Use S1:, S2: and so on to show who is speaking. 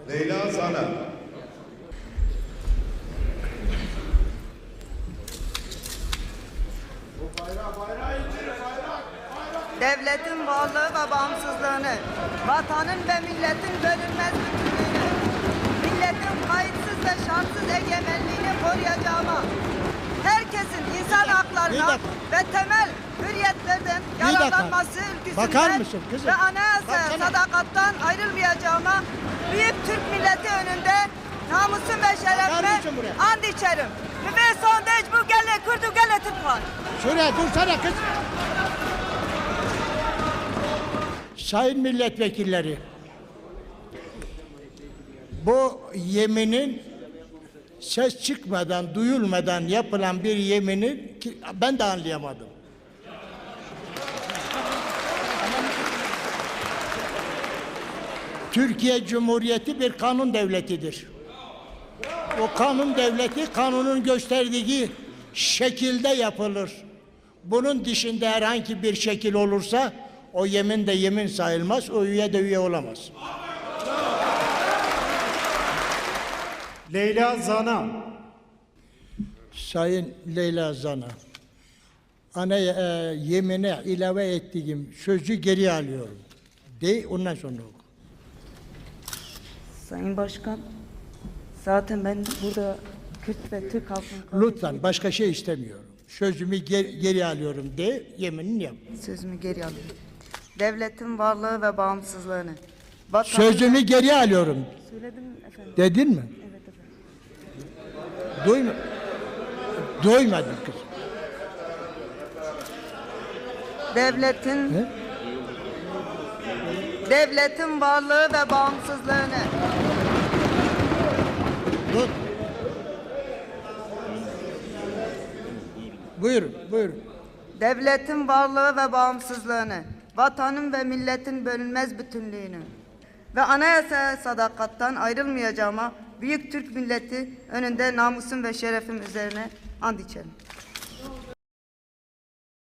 S1: Leyla Zana.
S2: Devletin varlığı ve bağımsızlığını, vatanın ve milletin bölünmez bütünlüğünü, milletin kayıtsız ve şartsız egemenliğini koruyacağıma, herkesin insan haklarına ve temel hürriyetlerden yararlanması ülküsünden ve anayasaya sadakattan ayrılmayacağıma, büyük Türk milleti önünde namusum ve şerefime and içerim. Ve sondaj bu gele kurdu gele Türk var.
S3: Şuraya dursana kız. Sayın milletvekilleri, bu yeminin ses çıkmadan, duyulmadan yapılan bir yeminin ben de anlayamadım. Türkiye Cumhuriyeti bir kanun devletidir. O kanun devleti kanunun gösterdiği şekilde yapılır. Bunun dışında herhangi bir şekil olursa o yemin de yemin sayılmaz, o üye de üye olamaz.
S4: Leyla Zana.
S3: Sayın Leyla Zana, yemine ilave ettiğim sözü geri alıyorum. De ondan sonra oku.
S2: Sayın Başkan, zaten ben burada Kürt ve Türk halkının...
S3: Lütfen başka şey istemiyorum. Sözümü geri alıyorum de, yeminini yap.
S2: Sözümü geri alıyorum. Devletin varlığı ve bağımsızlığını...
S3: Sözümü geri alıyorum.
S2: Söyledim efendim.
S3: Dedin mi?
S2: Evet efendim.
S3: Doymadın kız.
S2: Devletin varlığı ve bağımsızlığını...
S3: Dur. Buyurun.
S2: Devletin varlığı ve bağımsızlığını, vatanın ve milletin bölünmez bütünlüğünü ve anayasaya sadakattan ayrılmayacağıma büyük Türk milleti önünde namusum ve şerefim üzerine and içerim.